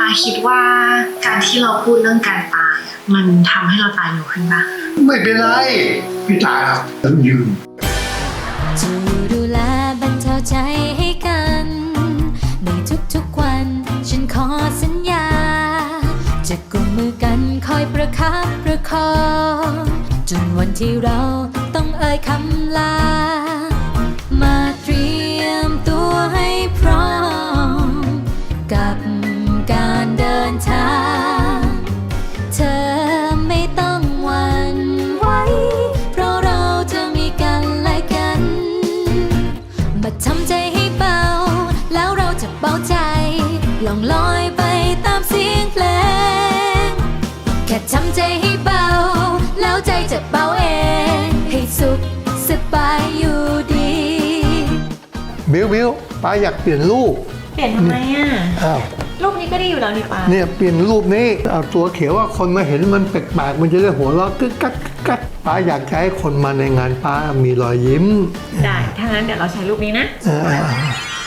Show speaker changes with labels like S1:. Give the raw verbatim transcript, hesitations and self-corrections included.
S1: าคิดว่าการที่เราพูดเรื่องการตายมันทำให้เราตายเร็วขึ้นปะ
S2: ไม่เป็นไรไม่ตายหรอกฉันยืน
S3: จะดูแลบรรเทาใจให้กันในทุกๆวันฉันขอสัญญาจะกุมมือกันคอยประคับประคองจนวันที่เราต้องเอ่ยคำลามาเตรียมตัวให้พร้อมกับการเดินทางเธอไม่ต้องหวั่นไหวเพราะเราจะมีกันและกันมาทำใจให้เบาแล้วเราจะเบาใจล่องลอยไปตามเสียงเพลงแค่ทำใจให้เบาแล้วใจจะเบาเองให้สุขสบายอยู่ดี
S2: บิวบิวป้าอยากเปลี่ยนรูป
S1: เปลี่ยนทำไมอ่ะ
S2: อ้าว
S1: รูปนี้ก็ดีอยู่แล้วนี่ป้า
S2: เนี่ยเปลี่ยนรูปนี้เอาตัวเขียวว่าคนมาเห็นมันแปลกๆมันจะได้หัวเราะกึกกักกึกกักป้าอยากจะให้คนมาในงานป้ามีรอยยิ้ม
S1: ได้ถ้างั้นเดี๋ยวเราใช้รูปนี้นะ
S2: อ่า